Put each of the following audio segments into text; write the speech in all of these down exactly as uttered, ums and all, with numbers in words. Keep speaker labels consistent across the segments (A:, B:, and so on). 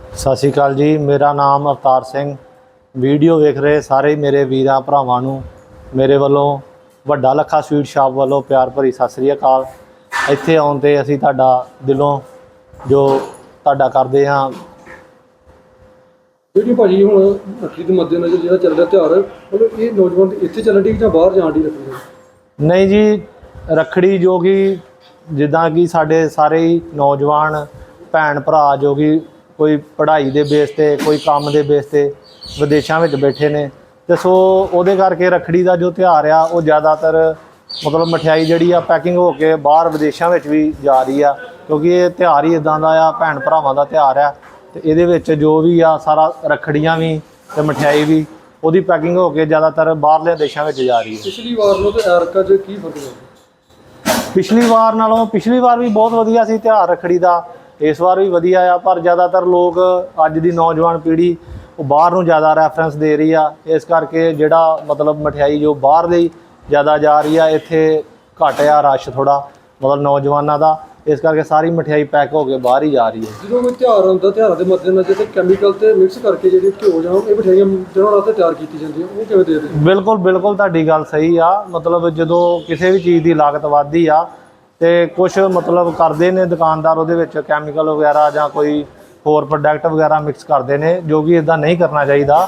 A: ਸਤਿ ਸ਼੍ਰੀ ਅਕਾਲ ਜੀ। ਮੇਰਾ ਨਾਮ ਅਵਤਾਰ ਸਿੰਘ। ਵੀਡੀਓ ਵੇਖ ਰਹੇ ਸਾਰੇ ਮੇਰੇ ਵੀਰਾਂ ਭਰਾਵਾਂ ਨੂੰ ਮੇਰੇ ਵੱਲੋਂ ਵੱਡਾ ਲੱਖਾ ਸਵੀਟ ਸ਼ਾਪ ਵੱਲੋਂ ਪਿਆਰ ਭਰੀ ਸਤਿ ਸ਼੍ਰੀ ਅਕਾਲ। ਇੱਥੇ ਆਉਣ 'ਤੇ ਅਸੀਂ ਤੁਹਾਡਾ ਦਿਲੋਂ ਜੋ ਤੁਹਾਡਾ ਕਰਦੇ ਹਾਂ।
B: ਜਿਹੜੀ ਭਾਜੀ ਹੁਣ ਰੱਖੜੀ ਦੇ ਮੱਦੇਨਜ਼ਰ ਜਿਹੜਾ ਚੱਲ ਰਿਹਾ ਤਿਉਹਾਰ, ਮਤਲਬ ਇਹ ਨੌਜਵਾਨ ਇੱਥੇ ਚੱਲਣ ਦੀ ਜਾਂ ਬਾਹਰ ਜਾਣ ਦੀ ਰੱਖੜੀ?
A: ਨਹੀਂ ਜੀ, ਰੱਖੜੀ ਜੋ ਕਿ ਜਿੱਦਾਂ ਕਿ ਸਾਡੇ ਸਾਰੇ ਹੀ ਨੌਜਵਾਨ ਭੈਣ ਭਰਾ ਜੋ ਕਿ ਕੋਈ ਪੜ੍ਹਾਈ ਦੇ ਬੇਸ 'ਤੇ, ਕੋਈ ਕੰਮ ਦੇ ਬੇਸ 'ਤੇ ਵਿਦੇਸ਼ਾਂ ਵਿੱਚ ਬੈਠੇ ਨੇ, ਅਤੇ ਸੋ ਉਹਦੇ ਕਰਕੇ ਰੱਖੜੀ ਦਾ ਜੋ ਤਿਉਹਾਰ ਆ ਉਹ ਜ਼ਿਆਦਾਤਰ ਮਤਲਬ ਮਠਿਆਈ ਜਿਹੜੀ ਆ ਪੈਕਿੰਗ ਹੋ ਕੇ ਬਾਹਰ ਵਿਦੇਸ਼ਾਂ ਵਿੱਚ ਵੀ ਜਾ ਰਹੀ ਆ, ਕਿਉਂਕਿ ਇਹ ਤਿਉਹਾਰ ਹੀ ਇੱਦਾਂ ਦਾ ਆ, ਭੈਣ ਭਰਾਵਾਂ ਦਾ ਤਿਉਹਾਰ ਆ। ਅਤੇ ਇਹਦੇ ਵਿੱਚ ਜੋ ਵੀ ਆ ਸਾਰਾ ਰੱਖੜੀਆਂ ਵੀ ਅਤੇ ਮਠਿਆਈ ਵੀ ਉਹਦੀ ਪੈਕਿੰਗ ਹੋ ਕੇ ਜ਼ਿਆਦਾਤਰ ਬਾਹਰਲੇ ਦੇਸ਼ਾਂ ਵਿੱਚ ਜਾ ਰਹੀ ਹੈ।
B: ਪਿਛਲੀ ਵਾਰ ਨੂੰ ਤੇ ਐਰਕਾ 'ਚ ਕੀ ਫਰਕ ਹੈ?
A: ਪਿਛਲੀ ਵਾਰ ਨਾਲੋਂ ਪਿਛਲੀ ਵਾਰ ਵੀ ਬਹੁਤ ਵਧੀਆ ਸੀ ਤਿਉਹਾਰ ਰੱਖੜੀ ਦਾ, ਇਸ ਵਾਰ ਵੀ ਵਧੀਆ ਆ, ਪਰ ਜ਼ਿਆਦਾਤਰ ਲੋਕ ਅੱਜ ਦੀ ਨੌਜਵਾਨ ਪੀੜ੍ਹੀ ਉਹ ਬਾਹਰ ਨੂੰ ਜ਼ਿਆਦਾ ਰੈਫਰੈਂਸ ਦੇ ਰਹੀ ਆ। ਇਸ ਕਰਕੇ ਜਿਹੜਾ ਮਤਲਬ ਮਠਿਆਈ ਜੋ ਬਾਹਰ ਦੀ ਜ਼ਿਆਦਾ ਜਾ ਰਹੀ ਆ, ਇੱਥੇ ਘੱਟ ਆ ਰਸ਼ ਥੋੜ੍ਹਾ ਮਤਲਬ ਨੌਜਵਾਨਾਂ ਦਾ, ਇਸ ਕਰਕੇ ਸਾਰੀ ਮਠਿਆਈ ਪੈਕ ਹੋ ਕੇ ਬਾਹਰ ਹੀ ਜਾ ਰਹੀ ਹੈ।
B: ਜਦੋਂ ਕੋਈ ਤਿਉਹਾਰ ਆਉਂਦਾ, ਤਿਉਹਾਰਾਂ ਦੇ ਮੱਦੇਨਜ਼ਰ ਤੇ ਕੈਮੀਕਲ ਤੇ ਮਿਕਸ ਕਰਕੇ ਜਿਹੜੀ ਘਿਓ ਜਾਂ ਇਹ ਮਠਿਆਈਆਂ ਦਿਨੋਂ ਰਾਤ ਤਿਆਰ ਕੀਤੀ ਜਾਂਦੀ ਹੈ, ਉਹ ਕਿਵੇਂ ਦੇਖਦੇ?
A: ਬਿਲਕੁਲ ਬਿਲਕੁਲ ਤੁਹਾਡੀ ਗੱਲ ਸਹੀ ਆ। ਮਤਲਬ ਜਦੋਂ ਕਿਸੇ ਵੀ ਚੀਜ਼ ਦੀ ਲਾਗਤ ਵੱਧਦੀ ਆ ਅਤੇ ਕੁਛ ਮਤਲਬ ਕਰਦੇ ਨੇ ਦੁਕਾਨਦਾਰ ਉਹਦੇ ਵਿੱਚ ਕੈਮੀਕਲ ਵਗੈਰਾ ਜਾਂ ਕੋਈ ਹੋਰ ਪ੍ਰੋਡਕਟ ਵਗੈਰਾ ਮਿਕਸ ਕਰਦੇ ਨੇ, ਜੋ ਕਿ ਇੱਦਾਂ ਨਹੀਂ ਕਰਨਾ ਚਾਹੀਦਾ।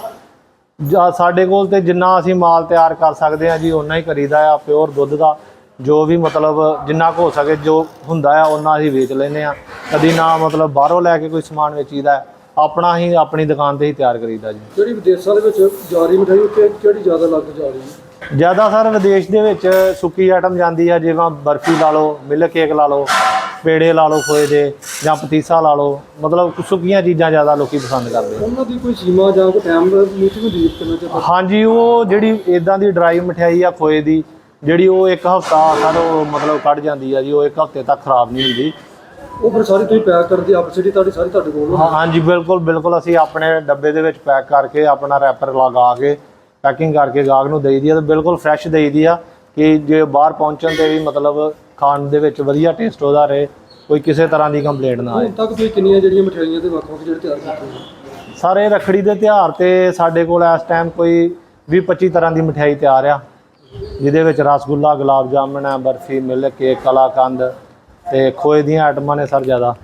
A: ਜਾਂ ਸਾਡੇ ਕੋਲ ਤਾਂ ਜਿੰਨਾ ਅਸੀਂ ਮਾਲ ਤਿਆਰ ਕਰ ਸਕਦੇ ਹਾਂ ਜੀ ਓਨਾ ਹੀ ਕਰੀਦਾ ਆ। ਪਿਓਰ ਦੁੱਧ ਦਾ ਜੋ ਵੀ ਮਤਲਬ ਜਿੰਨਾ ਕੁ ਹੋ ਸਕੇ ਜੋ ਹੁੰਦਾ ਆ ਓਨਾ ਅਸੀਂ ਵੇਚ ਲੈਂਦੇ ਹਾਂ। ਕਦੀ ਨਾ ਮਤਲਬ ਬਾਹਰੋਂ ਲੈ ਕੇ ਕੋਈ ਸਮਾਨ ਵੇਚੀਦਾ, ਆਪਣਾ ਹੀ ਆਪਣੀ ਦੁਕਾਨ 'ਤੇ ਹੀ ਤਿਆਰ ਕਰੀਦਾ ਜੀ।
B: ਜਿਹੜੀ ਵਿਦੇਸ਼ਾਂ ਦੇ ਵਿੱਚ ਜਾ ਰਹੀ ਮਠਿਆਈ ਉੱਤੇ ਕਿਹੜੀ ਜ਼ਿਆਦਾ ਲੱਗ ਜਾ ਰਹੀ ਹੈ?
A: ਜ਼ਿਆਦਾ ਸਰ ਵਿਦੇਸ਼ ਦੇ ਵਿੱਚ ਸੁੱਕੀ ਆਈਟਮ ਜਾਂਦੀ ਆ, ਜਿਵੇਂ ਬਰਫੀ ਲਾ ਲਓ, ਮਿਲਕ ਕੇਕ ਲਾ ਲਓ, ਪੇੜੇ ਲਾ ਲਓ ਖੋਏ ਦੇ, ਜਾਂ ਪਤੀਸਾ ਲਾ ਲਓ, ਮਤਲਬ ਸੁੱਕੀਆਂ ਚੀਜ਼ਾਂ ਜ਼ਿਆਦਾ ਲੋਕ ਪਸੰਦ ਕਰਦੇ ਆ।
B: ਉਹਨਾਂ ਦੀ ਕੋਈ ਸੀਮਾ ਜਾਂ ਕੋਈ ਟਾਈਮ ਮੀਟਿੰਗ ਹੁੰਦੀ ਕਰਨਾ ਚਾਹੀਦਾ?
A: ਹਾਂਜੀ, ਉਹ ਜਿਹੜੀ ਇੱਦਾਂ ਦੀ ਡਰਾਈ ਮਠਿਆਈ ਆ ਖੋਏ ਦੀ, ਜਿਹੜੀ ਉਹ ਇੱਕ ਹਫ਼ਤਾ ਸਰ ਉਹ ਮਤਲਬ ਕੱਢ ਜਾਂਦੀ ਆ ਜੀ, ਉਹ ਇੱਕ ਹਫ਼ਤੇ ਤੱਕ ਖਰਾਬ ਨਹੀਂ ਹੁੰਦੀ।
B: ਉਹ ਫਿਰ ਸਾਰੀ ਤੁਸੀਂ ਪੈਕ ਕਰਦੇ ਆਪ ਜਿਹੜੀ ਤੁਹਾਡੀ ਸਾਰੀ ਤੁਹਾਡੇ ਕੋਲ?
A: ਹਾਂ ਹਾਂਜੀ, ਬਿਲਕੁਲ ਬਿਲਕੁਲ ਅਸੀਂ ਆਪਣੇ ਡੱਬੇ ਦੇ ਵਿੱਚ ਪੈਕ ਕਰਕੇ ਆਪਣਾ ਰੈਪਰ ਲਗਾ ਕੇ ਪੈਕਿੰਗ ਕਰਕੇ ਗਾਹਕ ਨੂੰ ਦੇਈ ਦੀ ਆ, ਅਤੇ ਬਿਲਕੁਲ ਫਰੈਸ਼ ਦੇਈ ਦੀ ਆ ਕਿ ਜੇ ਬਾਹਰ ਪਹੁੰਚਣ 'ਤੇ ਵੀ ਮਤਲਬ ਖਾਣ ਦੇ ਵਿੱਚ ਵਧੀਆ ਟੇਸਟ ਉਹਦਾ ਰਹੇ, ਕੋਈ ਕਿਸੇ ਤਰ੍ਹਾਂ ਦੀ ਕੰਪਲੇਂਟ ਨਾ ਆਏ।
B: ਹੁਣ ਤੱਕ ਤੁਸੀਂ ਕਿੰਨੀਆਂ ਜਿਹੜੀਆਂ ਮਠਿਆਈਆਂ ਦੇ ਵੱਖ ਵੱਖ ਜਿਹੜੇ ਤਿਆਰ ਕੀਤੇ ਨੇ?
A: ਸਾਰੇ ਰੱਖੜੀ ਦੇ ਤਿਉਹਾਰ 'ਤੇ ਸਾਡੇ ਕੋਲ ਇਸ ਟਾਈਮ ਕੋਈ ਵੀਹ ਪੱਚੀ ਤਰ੍ਹਾਂ ਦੀ ਮਠਿਆਈ ਤਿਆਰ ਆ, ਜਿਹਦੇ ਵਿੱਚ ਰਸਗੁੱਲਾ, ਗੁਲਾਬ ਜਾਮਣ ਹੈ, ਬਰਫੀ, ਮਿਲਕ ਕੇਕ, ਕਲਾਕੰਦ ਅਤੇ ਖੋਏ ਦੀਆਂ ਆਈਟਮਾਂ ਨੇ ਸਰ ਜ਼ਿਆਦਾ।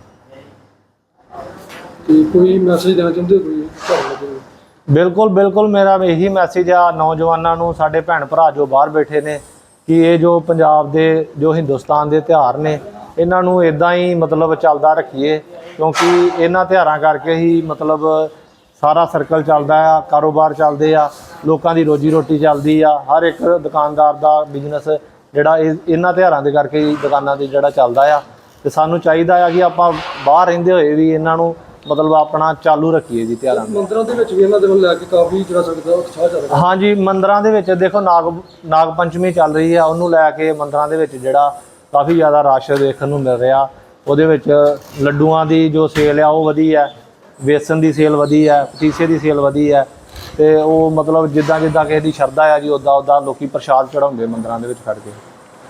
B: ਤੇ ਕੋਈ ਮੈਸੇਜ ਦੇਣਾ ਚਾਹੁੰਦੇ ਕੋਈ ਘਰ ਲੱਗੇ?
A: ਬਿਲਕੁਲ ਬਿਲਕੁਲ, ਮੇਰਾ ਇਹੀ ਮੈਸੇਜ ਆ ਨੌਜਵਾਨਾਂ ਨੂੰ, ਸਾਡੇ ਭੈਣ ਭਰਾ ਜੋ ਬਾਹਰ ਬੈਠੇ ਨੇ, ਕਿ ਇਹ ਜੋ ਪੰਜਾਬ ਦੇ ਜੋ ਹਿੰਦੁਸਤਾਨ ਦੇ ਤਿਉਹਾਰ ਨੇ ਇਹਨਾਂ ਨੂੰ ਇੱਦਾਂ ਹੀ ਮਤਲਬ ਚੱਲਦਾ ਰੱਖੀਏ, ਕਿਉਂਕਿ ਇਹਨਾਂ ਤਿਉਹਾਰਾਂ ਕਰਕੇ ਹੀ ਮਤਲਬ ਸਾਰਾ ਸਰਕਲ ਚੱਲਦਾ ਆ, ਕਾਰੋਬਾਰ ਚੱਲਦੇ ਆ, ਲੋਕਾਂ ਦੀ ਰੋਜੀ ਰੋਟੀ ਚੱਲਦੀ ਆ, ਹਰ ਇੱਕ ਦੁਕਾਨਦਾਰ ਦਾ ਬਿਜ਼ਨਸ ਜਿਹੜਾ ਇਹ ਇਹਨਾਂ ਤਿਉਹਾਰਾਂ ਦੇ ਕਰਕੇ ਹੀ ਦੁਕਾਨਾਂ ਦੀ ਜਿਹੜਾ ਚੱਲਦਾ ਆ। ਅਤੇ ਸਾਨੂੰ ਚਾਹੀਦਾ ਆ ਕਿ ਆਪਾਂ ਬਾਹਰ ਰਹਿੰਦੇ ਹੋਏ ਵੀ ਇਹਨਾਂ ਨੂੰ ਮਤਲਬ ਆਪਣਾ ਚਾਲੂ ਰੱਖੀਏ ਜੀ ਤਿਉਹਾਰਾਂ ਨੂੰ।
B: ਮੰਦਰਾਂ ਦੇ ਵਿੱਚ ਵੀ ਇਹਨਾਂ ਦੇ ਵੱਲ ਲੈ ਕੇ ਕਾਫੀ ਜਿਹੜਾ ਸਕਦਾ ਉਤਸ਼ਾਹ ਚੱਲ ਰਿਹਾ?
A: ਹਾਂਜੀ, ਮੰਦਰਾਂ ਦੇ ਵਿੱਚ ਦੇਖੋ ਨਾਗ ਨਾਗ ਪੰਚਮੀ ਚੱਲ ਰਹੀ ਆ, ਉਹਨੂੰ ਲੈ ਕੇ ਮੰਦਰਾਂ ਦੇ ਵਿੱਚ ਜਿਹੜਾ ਕਾਫੀ ਜ਼ਿਆਦਾ ਰਸ਼ ਦੇਖਣ ਨੂੰ ਮਿਲ ਰਿਹਾ। ਉਹਦੇ ਵਿੱਚ ਲੱਡੂਆਂ ਦੀ ਜੋ ਸੇਲ ਆ ਉਹ ਵਧੀ ਹੈ, ਵੇਸਣ ਦੀ ਸੇਲ ਵਧੀ ਹੈ, ਪਤੀਸੇ ਦੀ ਸੇਲ ਵਧੀ ਹੈ, ਅਤੇ ਉਹ ਮਤਲਬ ਜਿੱਦਾਂ ਜਿੱਦਾਂ ਕਿਸੇ ਦੀ ਸ਼ਰਧਾ ਆ ਜੀ ਉੱਦਾਂ ਉੱਦਾਂ ਲੋਕ ਪ੍ਰਸ਼ਾਦ ਚੜ੍ਹਾਉਂਦੇ ਮੰਦਰਾਂ ਦੇ ਵਿੱਚ ਖੜ੍ਹ ਕੇ।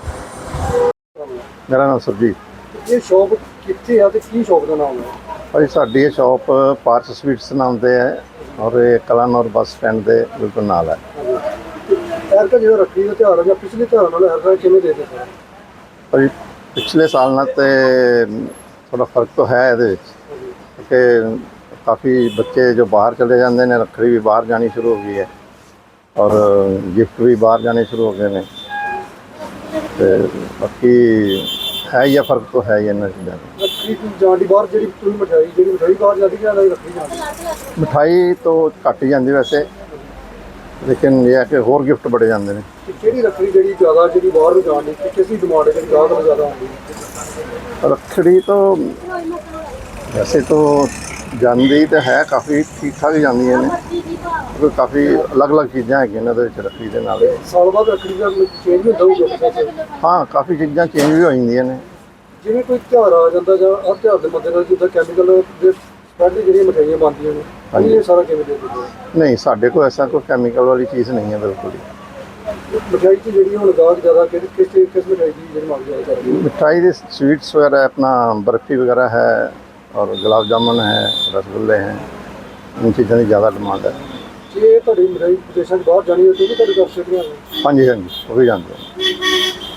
C: ਮੇਰਾ ਨਾਮ ਸੁਰਜੀਤ।
B: ਇਹ ਸ਼ੌਪ ਕਿੱਥੇ ਆ ਤੇ ਕੀ ਸ਼ੌਪ ਦਾ ਨਾਮ ਹੈ?
C: ਭਾਈ ਸਾਡੀ ਇਹ ਸ਼ੌਪ ਪਾਰਸ ਸਵੀਟਸ ਨਾਮ ਤੇ ਹੈ, ਔਰ ਇਹ ਕਲਾਨੌਰ ਬੱਸ ਸਟੈਂਡ ਦੇ ਬਿਲਕੁਲ ਨਾਲ ਹੈ।
B: ਐਰਕਾ ਜਿਹੜਾ ਰੱਖੜੀ ਦਾ ਤਿਉਹਾਰ ਹੈ ਜਾਂ ਪਿਛਲੇ ਤਿਉਹਾਰਾਂ ਨਾਲ ਐਰਕਾ ਕਿਵੇਂ ਦੇ ਦਿੱਤਾ?
C: ਭਾਈ ਪਿਛਲੇ ਸਾਲ ਨਾਲ ਤੇ ਥੋੜਾ ਫਰਕ ਤਾਂ ਹੈ ਇਹਦੇ ਵਿੱਚ, ਕਿਉਂਕਿ ਕਾਫੀ ਬੱਚੇ ਜੋ ਬਾਹਰ ਚਲੇ ਜਾਂਦੇ ਨੇ, ਰੱਖੜੀ ਵੀ ਬਾਹਰ ਜਾਣੀ ਸ਼ੁਰੂ ਹੋ ਗਈ ਹੈ, ਔਰ ਗਿਫਟ ਵੀ ਬਾਹਰ ਜਾਣੇ ਸ਼ੁਰੂ ਹੋ ਗਏ ਨੇ, ਅਤੇ ਬਾਕੀ ਹੈ ਹੀ ਆ, ਫਰਕ ਤਾਂ ਹੈ ਹੀ ਇਹਨਾਂ ਚੀਜ਼ਾਂ ਦਾ।
B: ਰੱਖੜੀ ਜਾਣ ਦੀ ਬਾਹਰ ਜਿਹੜੀ ਤੁਸੀਂ ਮਠਿਆਈ ਜਿਹੜੀ ਮਠਿਆਈ ਬਾਹਰ ਜਾਂਦੀ ਜਾਂ ਰੱਖੜੀ ਜਾਂਦੀ?
C: ਮਿਠਾਈ ਤਾਂ ਘੱਟ ਹੀ ਜਾਂਦੀ ਵੈਸੇ, ਲੇਕਿਨ ਇਹ ਹੈ ਕਿ ਹੋਰ ਗਿਫਟ ਬੜੇ ਜਾਂਦੇ ਨੇ।
B: ਕਿਹੜੀ ਰੱਖੜੀ ਜਿਹੜੀ ਜ਼ਿਆਦਾ ਜਿਹੜੀ ਬਾਹਰ ਨੂੰ ਜਾਣ ਦੀ ਕਿਸ ਦੀ ਡਿਮਾਂਡ ਹੈ, ਜਿਹੜੀ ਗਾਹਕ ਨੂੰ ਜ਼ਿਆਦਾ ਆਉਂਦੀ ਹੈ?
C: ਰੱਖੜੀ ਤਾਂ ਵੈਸੇ ਤਾਂ ਜਾਂਦੀ ਤਾਂ ਹੈ, ਕਾਫੀ ਠੀਕ ਠਾਕ ਹੀ ਜਾਂਦੀਆਂ ਨੇ, ਕਿਉਂਕਿ ਕਾਫੀ ਅਲੱਗ ਅਲੱਗ ਚੀਜ਼ਾਂ ਹੈਗੀਆਂ ਇਹਨਾਂ ਦੇ ਵਿੱਚ ਰੱਖੜੀ ਦੇ ਨਾਲ।
B: ਸਾਲ ਬਾਅਦ ਰੱਖੜੀ ਦਾ ਚੇਂਜ ਵੀ ਹੁੰਦਾ ਹੋਊਗਾ?
C: ਹਾਂ, ਕਾਫੀ ਚੀਜ਼ਾਂ ਚੇਂਜ ਵੀ ਹੋ ਜਾਂਦੀਆਂ ਨੇ।
B: ਜਿਵੇਂ ਕੋਈ ਤਿਉਹਾਰ ਆ ਜਾਂਦਾ ਜਾਂ ਹਰ ਤਿਉਹਾਰ ਦੇ ਮੱਦੇਨਜ਼ਰ ਜਿੱਦਾਂ ਕੈਮੀਕਲ ਦੇ ਸਪੈਡ ਦੀ ਜਿਹੜੀਆਂ ਮਠਿਆਈਆਂ ਬਣਦੀਆਂ ਨੇ, ਹਾਂਜੀ, ਇਹ ਸਾਰਾ ਕਿਵੇਂ ਦੇ ਦਿੰਦੇ?
C: ਨਹੀਂ, ਸਾਡੇ ਕੋਲ ਐਸਾ ਕੋਈ ਕੈਮੀਕਲ ਵਾਲੀ ਚੀਜ਼ ਨਹੀਂ ਹੈ ਬਿਲਕੁਲ ਹੀ।
B: ਮਿਠਾਈ 'ਚ ਜਿਹੜੀ ਹੁਣ ਗਾਹਕ ਜ਼ਿਆਦਾ ਕਿਸ ਕਿਸ ਕਿਸ ਮਿਠਾਈ ਦੀ ਜਿਹੜੀ ਮੰਗ ਜ਼ਿਆਦਾ ਕਰਦੀ ਹੈ?
C: ਮਿਠਾਈ ਦੇ ਸਵੀਟਸ ਵਗੈਰਾ, ਆਪਣਾ ਬਰਫੀ ਵਗੈਰਾ ਹੈ, और गुलाब जामुन है, रसगुल्ले हैं, इन चीज़ों की ज़्यादा डिमांड है।
B: ਜੇ ਤੁਹਾਡੀ ਮਿਠਾਈ ਵਿਦੇਸ਼ਾਂ 'ਚ ਬਾਹਰ ਜਾਣੀ ਹੋਵੇ ਤਾਂ ਵੀ ਤੁਹਾਡੇ ਘਰ ਛੇੜੀਆਂ ਨੇ?
C: हाँ जी हाँ जी, वो भी जानते हैं।